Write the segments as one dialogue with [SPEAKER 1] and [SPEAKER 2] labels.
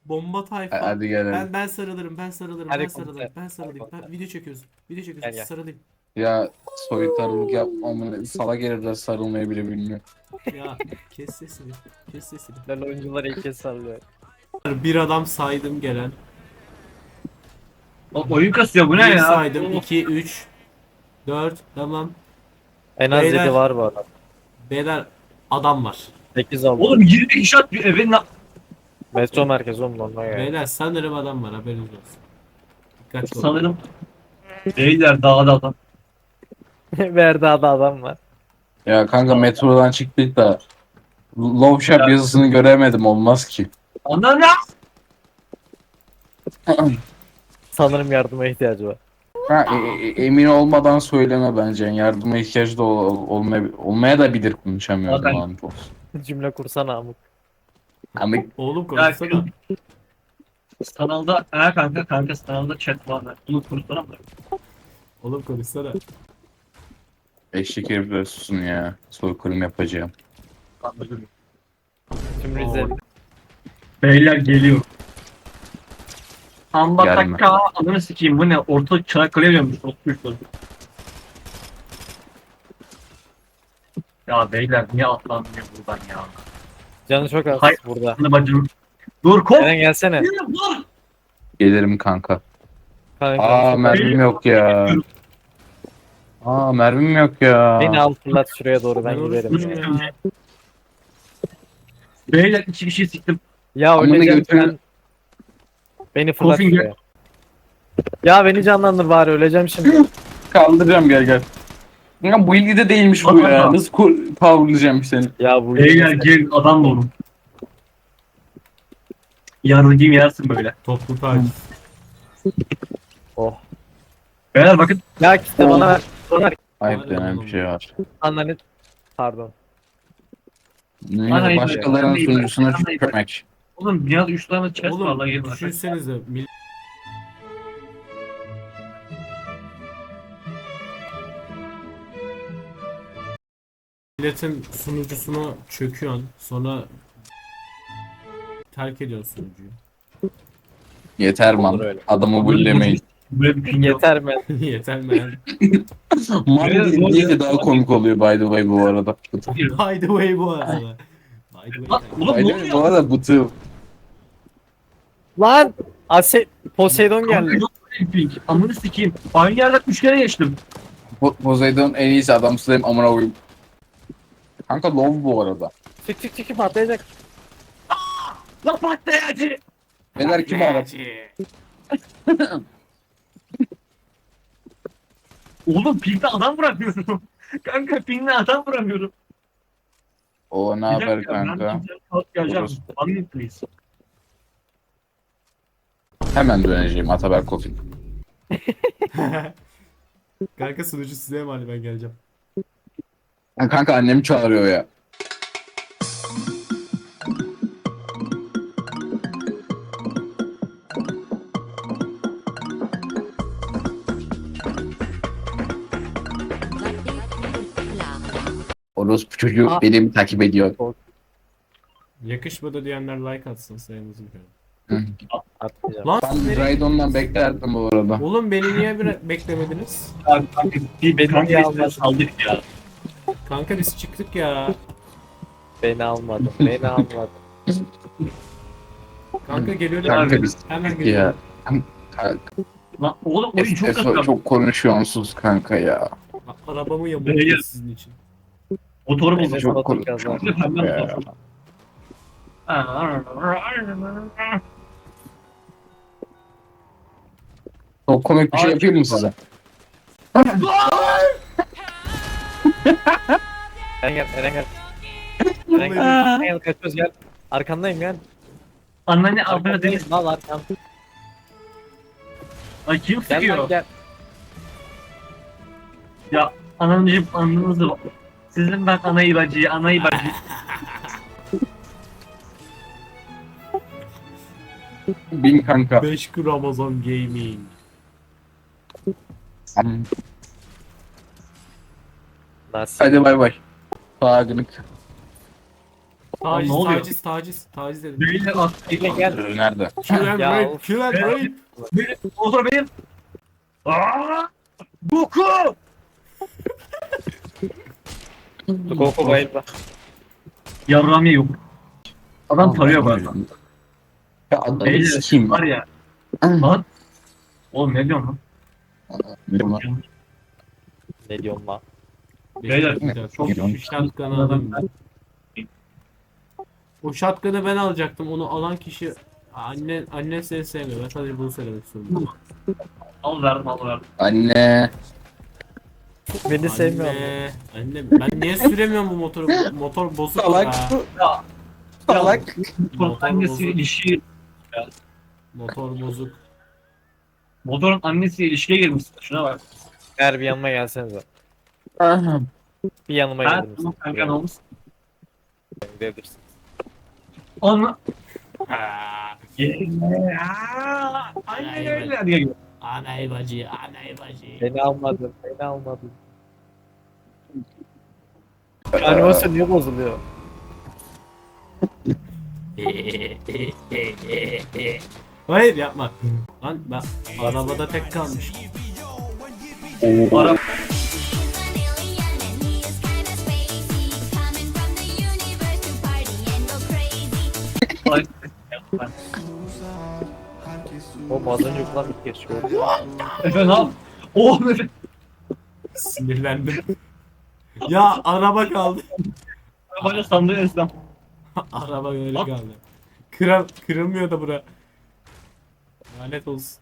[SPEAKER 1] Bomba tayfa.
[SPEAKER 2] Hadi gelelim.
[SPEAKER 1] Ben sarılırım. Ben sarılırım.
[SPEAKER 3] Hadi
[SPEAKER 1] Ben
[SPEAKER 3] komutan.
[SPEAKER 1] sarılırım. Ben
[SPEAKER 3] Hadi
[SPEAKER 1] sarılayım.
[SPEAKER 3] komutan.
[SPEAKER 1] Video çekiyoruz. Video
[SPEAKER 3] Gel
[SPEAKER 1] çekiyoruz.
[SPEAKER 3] gel.
[SPEAKER 1] Sarılayım.
[SPEAKER 2] Ya soytarılık yapmamın sala gelirler sarılmayı bile bilmiyor.
[SPEAKER 1] Ya kes sesini. Kes sesini.
[SPEAKER 3] Lan oyuncular ilk kez sallıyor.
[SPEAKER 1] Bir adam saydım gelen.
[SPEAKER 4] Oyun kasıyor bu ne
[SPEAKER 1] Bir
[SPEAKER 4] ya?
[SPEAKER 1] saydım. 2, 3, 4. Tamam.
[SPEAKER 3] En az
[SPEAKER 1] Beyler.
[SPEAKER 3] 7 var bu arada.
[SPEAKER 1] Beyler adam var.
[SPEAKER 3] 8 oldu.
[SPEAKER 4] Oğlum 20 kişi atıyor eve
[SPEAKER 3] Metro merkezi oğlum ondan yani.
[SPEAKER 1] Beyler sanırım adam var. Haberiniz olsun. Dikkatli olun.
[SPEAKER 4] sanırım. Beyler dağda adam.
[SPEAKER 3] Verda'da adam var.
[SPEAKER 2] Ya kanka metrodan çıktık da Love Shop yazısını göremedim olmaz ki.
[SPEAKER 4] Anladın ya?
[SPEAKER 3] Sanırım yardıma ihtiyacı var.
[SPEAKER 2] Ha, emin olmadan söyleme bence. Yardıma ihtiyacı da olmaya da bilir konuşamıyorum
[SPEAKER 4] Zaten-
[SPEAKER 2] lan.
[SPEAKER 3] Cümle kursana amık.
[SPEAKER 2] Ama
[SPEAKER 1] Oğlum
[SPEAKER 4] Ya,
[SPEAKER 1] konuşsana.
[SPEAKER 4] kanalda kanka kanalda chat var. Bunu konuşsana mı?
[SPEAKER 1] Oğlum konuşsana.
[SPEAKER 2] eşek herifler susun ya. Soykırım yapacağım.
[SPEAKER 3] Tüm Rize.
[SPEAKER 4] Beyler geliyor.
[SPEAKER 2] Gelme.
[SPEAKER 4] Ambataka ananı sikeyim bu ne? Orta Çanakkale'ye dönmüş. Oturmuşlar. Ya beyler niye atlanmıyor buradan ya?
[SPEAKER 3] Canı çok az
[SPEAKER 4] Hayır.
[SPEAKER 3] burada.
[SPEAKER 4] Anı bacım. Dur kop.
[SPEAKER 3] Eren gelsene.
[SPEAKER 4] Dur.
[SPEAKER 2] Gelirim kanka.
[SPEAKER 3] Kanka,
[SPEAKER 2] Aa
[SPEAKER 3] çok-
[SPEAKER 2] mermim yok ya. Aa mermim yok ya.
[SPEAKER 3] Beni al fırlat şuraya doğru ben
[SPEAKER 1] Ben
[SPEAKER 3] giderim
[SPEAKER 1] oruçluyum
[SPEAKER 3] ya.
[SPEAKER 1] ya.
[SPEAKER 4] Beyler iki kişi siktim.
[SPEAKER 3] Ya
[SPEAKER 2] Amına
[SPEAKER 3] öleceğim
[SPEAKER 2] götürün.
[SPEAKER 3] sen. Beni fırlat
[SPEAKER 4] Kofing
[SPEAKER 3] şuraya. Ya beni canlandır bari öleceğim şimdi.
[SPEAKER 2] Kaldıracağım gel. Ya bu ilgide değilmiş bu ya.
[SPEAKER 4] Adam.
[SPEAKER 2] Nasıl powerlayacağım seni?
[SPEAKER 3] Ya bu
[SPEAKER 4] Beyler gel adam olun. Yarıcıyım yersin böyle.
[SPEAKER 1] Toplu taciz.
[SPEAKER 3] Oh.
[SPEAKER 4] Beyler bakın.
[SPEAKER 3] Ya kitle bana ver. Bana ver.
[SPEAKER 2] Ayıp denen bir şey var.
[SPEAKER 3] Anlanet. Pardon.
[SPEAKER 4] Hayır,
[SPEAKER 2] Başkalarının
[SPEAKER 4] hayır.
[SPEAKER 2] sunucusuna
[SPEAKER 4] Hayır.
[SPEAKER 2] tükürmek.
[SPEAKER 4] Oğlum dünyada 3 tane chest var lan
[SPEAKER 1] Oğlum
[SPEAKER 4] gelin bakın.
[SPEAKER 1] düşünsenize. Milletin sunucusuna çöküyorsun. Sonra terk ediyorsun sunucuyu.
[SPEAKER 2] Yeter
[SPEAKER 3] Olur
[SPEAKER 2] man.
[SPEAKER 3] öyle.
[SPEAKER 2] Adamı bullemeyin.
[SPEAKER 4] Böyle bir ping yok.
[SPEAKER 3] Yeter mi?
[SPEAKER 1] Yeter mi yani?
[SPEAKER 2] Man
[SPEAKER 4] Evet,
[SPEAKER 2] diye
[SPEAKER 4] doğru.
[SPEAKER 2] diye de daha komik oluyor by the way bu arada.
[SPEAKER 1] By the way bu arada. By the
[SPEAKER 4] Lan,
[SPEAKER 1] way.
[SPEAKER 4] oğlum
[SPEAKER 2] By
[SPEAKER 4] ne
[SPEAKER 2] the way bu
[SPEAKER 4] oluyor?
[SPEAKER 2] arada bıtı.
[SPEAKER 3] Lan! Poseidon
[SPEAKER 4] Kanka
[SPEAKER 3] geldi.
[SPEAKER 4] yok böyle bir ping. Amını sikeyim. Aynı yerden 3 kere geçtim.
[SPEAKER 2] Poseidon en iyisi adam slayım amına koyayım. Kanka love bu arada.
[SPEAKER 3] Çık çık patlayacak.
[SPEAKER 4] Lan patlayıcı.
[SPEAKER 2] Beyler kim aradı?
[SPEAKER 4] Oğlum pingde adam vuramıyorum. Kanka pingde adam vuramıyorum.
[SPEAKER 2] O ne
[SPEAKER 4] Bir
[SPEAKER 2] haber
[SPEAKER 4] dakika, ben
[SPEAKER 2] kanka?
[SPEAKER 4] pingden kalk geleceğim.
[SPEAKER 2] Orası.
[SPEAKER 4] One minute please.
[SPEAKER 2] Hemen döneceğim Ataberk Kofin.
[SPEAKER 1] Kanka sunucu size emanet, ben geleceğim.
[SPEAKER 2] Kanka annem çağırıyor ya. Orospu çocuğu
[SPEAKER 3] Aa.
[SPEAKER 2] beni mi takip ediyor?
[SPEAKER 1] Yakışmadı diyenler like atsın sayımızı görelim.
[SPEAKER 3] Atmayacağım.
[SPEAKER 1] Lan
[SPEAKER 2] Ben
[SPEAKER 1] siz nereye-
[SPEAKER 2] Raidon'dan beklerdim bu arada.
[SPEAKER 1] Oğlum beni niye beklemediniz?
[SPEAKER 4] Abi kanka
[SPEAKER 3] Beni
[SPEAKER 4] kanka
[SPEAKER 3] niye
[SPEAKER 4] biz
[SPEAKER 3] almadın?
[SPEAKER 4] saldık ya.
[SPEAKER 1] Kanka biz çıktık ya.
[SPEAKER 3] Beni almadı. Beni almadı.
[SPEAKER 1] Kanka geliyorum.
[SPEAKER 2] Kanka biz
[SPEAKER 1] Hemen
[SPEAKER 2] ya.
[SPEAKER 1] geliyorum.
[SPEAKER 2] Kanka,
[SPEAKER 4] Lan oğlum oyun çok
[SPEAKER 2] Efo
[SPEAKER 4] kötü.
[SPEAKER 2] çok konuşuyorsunuz kanka ya.
[SPEAKER 1] Arabamı
[SPEAKER 4] Beyler.
[SPEAKER 1] yamulttum sizin için.
[SPEAKER 4] Motoru
[SPEAKER 3] Beni
[SPEAKER 4] bozuk.
[SPEAKER 2] Çok
[SPEAKER 3] Batur
[SPEAKER 2] konuşuyorsunuz
[SPEAKER 3] kazandı.
[SPEAKER 2] kanka ya. Çok komik bir şey yapayım mı size?
[SPEAKER 3] Eren gel. Eren gel. Eren gel. Eren gel. Kaçıyoruz gel. Arkandayım gel.
[SPEAKER 4] Anneanne abone
[SPEAKER 3] Arkandayım.
[SPEAKER 4] değil.
[SPEAKER 3] Al arkam.
[SPEAKER 4] Ay kim
[SPEAKER 3] Gel lan
[SPEAKER 4] sıkıyor?
[SPEAKER 3] gel.
[SPEAKER 4] Ya ananıcım anınızı. Sizin ben anayı bacıyı, anayı bacıyı.
[SPEAKER 2] Bin kanka.
[SPEAKER 1] 5 Ramazan Gaming.
[SPEAKER 3] Nasıl?
[SPEAKER 2] Hadi bay bay. Sağ günlük.
[SPEAKER 1] Taciz,
[SPEAKER 4] ne oluyor?
[SPEAKER 1] taciz dedim.
[SPEAKER 4] Beyler at.
[SPEAKER 3] Bekle gel.
[SPEAKER 2] Nerede?
[SPEAKER 1] Kill and
[SPEAKER 3] Ya
[SPEAKER 1] rape,
[SPEAKER 3] of.
[SPEAKER 1] kill and rape.
[SPEAKER 4] Benim. Motor benim. Aaa! Boku!
[SPEAKER 3] Koko bayıldı.
[SPEAKER 4] Yarramiye yok. Adam tarıyor bana.
[SPEAKER 2] Ya adamı
[SPEAKER 4] Beyler
[SPEAKER 2] sikeyim.
[SPEAKER 4] var ya. Lan. Oğlum ne diyorsun lan?
[SPEAKER 3] Ne diyorsun lan?
[SPEAKER 4] Beyler,
[SPEAKER 1] Çok şu shotgun'ı alayım ben. O shotgun'ı ben alacaktım. Onu alan kişi anne seni sevmiyor. Ben sadece bunu söylemek istiyorum.
[SPEAKER 4] Al verdim.
[SPEAKER 2] Anne.
[SPEAKER 3] Beni sevmiyor mu?
[SPEAKER 1] Anne ben niye süremiyorum bu motoru? Motor bozuk
[SPEAKER 2] Salak.
[SPEAKER 1] ya.
[SPEAKER 4] Ya.
[SPEAKER 2] Salak.
[SPEAKER 4] Motorun annesiyle ilişki.
[SPEAKER 1] Motor bozuk.
[SPEAKER 4] Motorun annesiyle ilişkiye girmişsin. Şuna bak.
[SPEAKER 3] Ver bir yanıma gelsenize.
[SPEAKER 2] Aha.
[SPEAKER 3] Bir yanıma
[SPEAKER 4] Ha
[SPEAKER 3] gelir misin?
[SPEAKER 4] tamam kanka ne olmuş?
[SPEAKER 3] Gidebilirsin.
[SPEAKER 4] Onu.
[SPEAKER 1] Aa,
[SPEAKER 4] Aynen öyle. Hadi gel.
[SPEAKER 1] Anay bacı, anay bacı.
[SPEAKER 3] Beni almadın. Beni almadın. Animasyon niye bozuluyor?
[SPEAKER 1] Hayır yapma. Lan ben arabada tek kalmış.
[SPEAKER 4] Ara. Ay.
[SPEAKER 3] O az önce falan bir kez gördüm.
[SPEAKER 4] Efe ne yap? Oh Efe.
[SPEAKER 1] Sinirlendim. Ya araba kaldı.
[SPEAKER 4] Arabayla sandığı esnaf.
[SPEAKER 1] Araba öyle
[SPEAKER 4] Bak.
[SPEAKER 1] kaldı. Kırılmıyor da bura. Lanet olsun.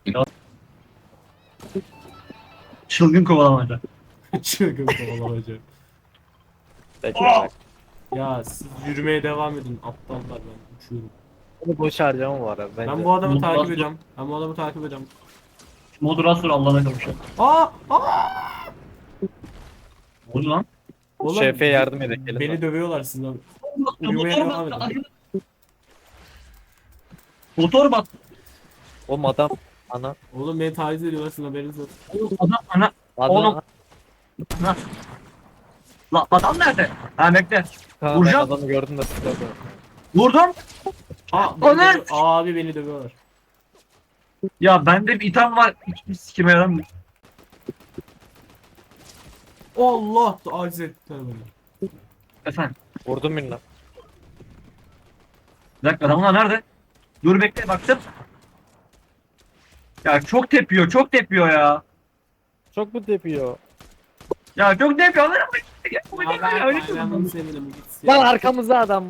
[SPEAKER 4] Çılgın kovalamaca.
[SPEAKER 1] Çılgın kovalamaca.
[SPEAKER 3] Peki.
[SPEAKER 1] Ya siz yürümeye devam edin. Aptallar ben uçuyorum.
[SPEAKER 3] Bunu boş harcama var abi bence.
[SPEAKER 1] Ben bu adamı
[SPEAKER 4] Motor-
[SPEAKER 1] takip ediyorum. Ben bu adamı takip ediyorum.
[SPEAKER 4] Moderasyonu Allah'ına kavuşuyor.
[SPEAKER 1] Aa!
[SPEAKER 4] Ne oldu lan?
[SPEAKER 1] Oğlum,
[SPEAKER 3] Şefe yardım edin gelin.
[SPEAKER 1] Beni dövüyorlar sizden. Uyumaya
[SPEAKER 4] Motor
[SPEAKER 1] devam
[SPEAKER 4] battı.
[SPEAKER 1] edin.
[SPEAKER 4] Motor battı.
[SPEAKER 3] Oğlum adam. Ana.
[SPEAKER 1] Oğlum beni taciz ediyorlar sizin haberiniz yok.
[SPEAKER 4] Adam ana.
[SPEAKER 3] Adam.
[SPEAKER 4] Oğlum. La adam nerede? Ha bekle.
[SPEAKER 3] Ha,
[SPEAKER 4] Vuracağım.
[SPEAKER 3] ben adamı gördüm de sıkıldım.
[SPEAKER 4] Vurdum. Ana!
[SPEAKER 1] Abi beni dövüyorlar.
[SPEAKER 4] Ya bende bir itham var. Hiçbir sikime yaramıyor.
[SPEAKER 1] Allah! Taciz ettiler beni.
[SPEAKER 4] Efendim.
[SPEAKER 3] Vurdum birini.
[SPEAKER 4] Bir dakika adamlar nerede? Dur bekle baktım. Ya çok tepiyor ya.
[SPEAKER 3] Çok mu tepiyor?
[SPEAKER 4] Ya çok tepiyor. Lan
[SPEAKER 1] Ya ben ayranımı seviyorum gitsin.
[SPEAKER 3] Lan arkamızda adam.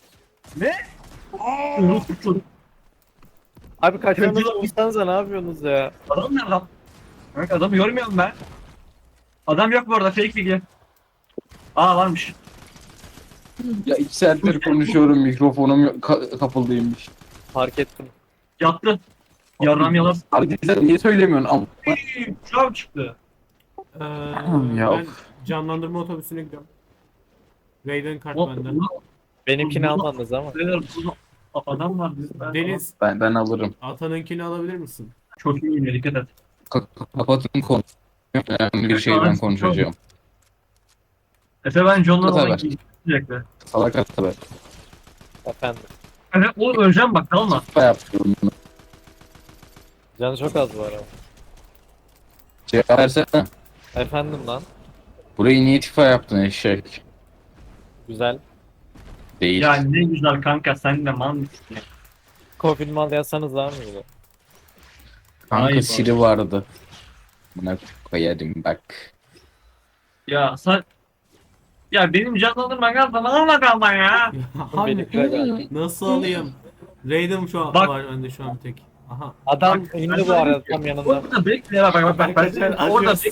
[SPEAKER 3] Abi kaçmanızı
[SPEAKER 4] Kötü-
[SPEAKER 3] vursanıza ne yapıyorsunuz ya?
[SPEAKER 4] Adam nerede lan? Evet adamı görmüyorum ben. Adam yok bu arada fake bilgi. Aa varmış.
[SPEAKER 2] Ya 2 saattir konuşuyorum mikrofonum kapalıymış.
[SPEAKER 3] Fark ettim.
[SPEAKER 4] Yattı. Yarram yalan.
[SPEAKER 2] Arkadaşlar niye söylemiyorsun? Ama
[SPEAKER 4] Şurav çıktı.
[SPEAKER 2] Ya
[SPEAKER 1] Ben canlandırma otobüsüne gidiyorum. Raiden kart bende.
[SPEAKER 3] Benimkini almadınız ama.
[SPEAKER 4] Adam var bizde.
[SPEAKER 1] Deniz,
[SPEAKER 2] ben alırım.
[SPEAKER 1] atanınkini alabilir misin?
[SPEAKER 4] Çok iyi yine dikkat et.
[SPEAKER 2] Kapatın konu. Önemli bir şeyden konuşacağım.
[SPEAKER 4] Efe ben John'dan
[SPEAKER 2] Tabii.
[SPEAKER 4] olan gidecekler.
[SPEAKER 2] Salak hatta be.
[SPEAKER 3] Efendim.
[SPEAKER 4] Efe oğlum öleceğim bak kalma.
[SPEAKER 2] Kafa yapıyorum.
[SPEAKER 3] Canı çok az var ama.
[SPEAKER 2] Cevap versene.
[SPEAKER 3] Efendim lan.
[SPEAKER 2] Burayı niye tifa yaptın eşek?
[SPEAKER 3] Güzel.
[SPEAKER 2] Değil.
[SPEAKER 4] Ya ne güzel kanka sen de mal mısın ya?
[SPEAKER 3] Kofil mal yazsanız daha mı iyi?
[SPEAKER 2] Kanka
[SPEAKER 4] Ay,
[SPEAKER 2] Siri vardı. Buna koyarım bak.
[SPEAKER 4] Ya sen... Ya benim canlandırma kalma alma kalma ya.
[SPEAKER 1] Abi
[SPEAKER 3] Benimkiler geldi.
[SPEAKER 1] nasıl alayım? Raiden şu an
[SPEAKER 4] Bak.
[SPEAKER 1] var bende şu an bir tek. Aha.
[SPEAKER 3] Adam
[SPEAKER 4] Bak,
[SPEAKER 3] indi
[SPEAKER 4] ben
[SPEAKER 3] bu arada
[SPEAKER 4] sana-
[SPEAKER 3] tam yanında.
[SPEAKER 4] Orada bekle bak bak bak. Orada
[SPEAKER 1] Adios.
[SPEAKER 4] bekle.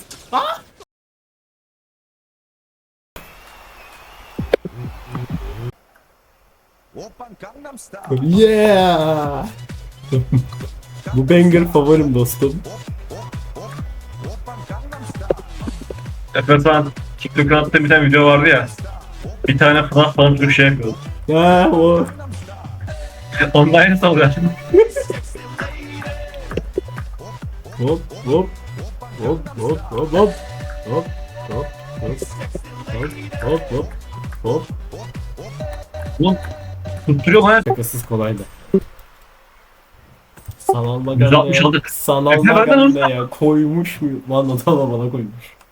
[SPEAKER 5] Oppan Gangnam Style.
[SPEAKER 1] Yeah! Bu banger favorim dostum.
[SPEAKER 5] Oppan Gangnam Style.
[SPEAKER 4] Efe sen TikTok'a attığın bir tane video vardı ya. Bir tane falan falan bir şey yapıyordu.
[SPEAKER 1] Ya o.
[SPEAKER 4] Onun aynısı oluyor.
[SPEAKER 1] Hop hop. Hop hop hop hop. Hop hop hop. Hop hop hop. Hop.
[SPEAKER 4] Oğlum Tutturuyor bana.
[SPEAKER 1] Şakasız kolaydı. Sanal
[SPEAKER 4] 160
[SPEAKER 1] maganda
[SPEAKER 4] aldık.
[SPEAKER 1] sanal
[SPEAKER 4] Efe benden
[SPEAKER 1] maganda ya koymuş mu? Lan o da bana koymuş.